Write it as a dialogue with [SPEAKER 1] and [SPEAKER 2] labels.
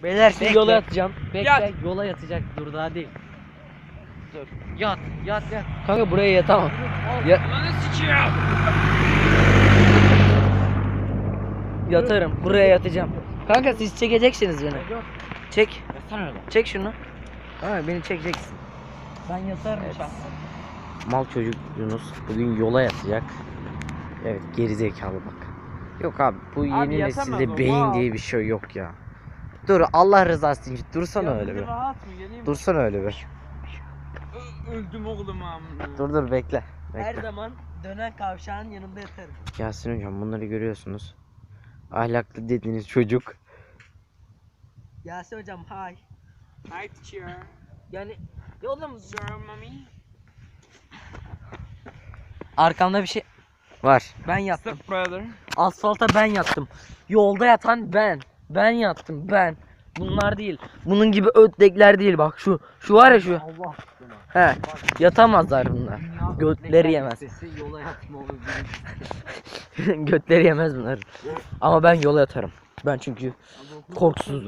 [SPEAKER 1] Beyler siz
[SPEAKER 2] Bekle.
[SPEAKER 1] yola yatacağım. Bekle
[SPEAKER 2] Yat.
[SPEAKER 1] yola yatacak, dur daha değil. Dur. Yat. Kanka buraya yatamam.
[SPEAKER 2] Ananı sikiyorum.
[SPEAKER 1] Yatarım. Buraya yatacağım. Kanka siz çekeceksiniz beni. Çek.
[SPEAKER 2] Yatsana öyle.
[SPEAKER 1] Çek şunu. Kanka beni çekeceksin.
[SPEAKER 2] Ben yatarım
[SPEAKER 1] Evet.
[SPEAKER 2] şahsen.
[SPEAKER 1] Mal çocuk Yunus bugün yola yatacak. Evet, gerizekalı bak. Yok abi, bu yeni
[SPEAKER 2] yatamaz
[SPEAKER 1] nesilde
[SPEAKER 2] o,
[SPEAKER 1] beyin
[SPEAKER 2] mal.
[SPEAKER 1] diye bir şey yok ya. Dur, Allah rızası için dursana öyle bir.
[SPEAKER 2] Rahat mı geleyim?
[SPEAKER 1] Dursana öyle bir.
[SPEAKER 2] Öldüm oğlum amına.
[SPEAKER 1] Dur bekle.
[SPEAKER 3] Her zaman dönen kavşağın yanında yatarım.
[SPEAKER 1] Yasin hocam, bunları görüyorsunuz. Ahlaklı dediğiniz çocuk.
[SPEAKER 3] Yasin hocam hay.
[SPEAKER 2] Hi teacher.
[SPEAKER 3] Yani ya oğlum
[SPEAKER 2] Sorry mommy.
[SPEAKER 3] arkamda bir şey
[SPEAKER 1] Var.
[SPEAKER 3] ben yattım.
[SPEAKER 2] Step brother.
[SPEAKER 3] Asfalta ben yattım. Yolda yatan ben. Ben yattım ben. Bunlar değil. Bunun gibi ötlekler değil bak şu. Şu var ya şu.
[SPEAKER 2] Allah.
[SPEAKER 3] He. Yatamazlar bunlar. Götleri yemez.
[SPEAKER 2] Yola yatma olur.
[SPEAKER 3] Götleri yemez bunlar. Ama ben yola yatarım. Ben çünkü korkusuzum.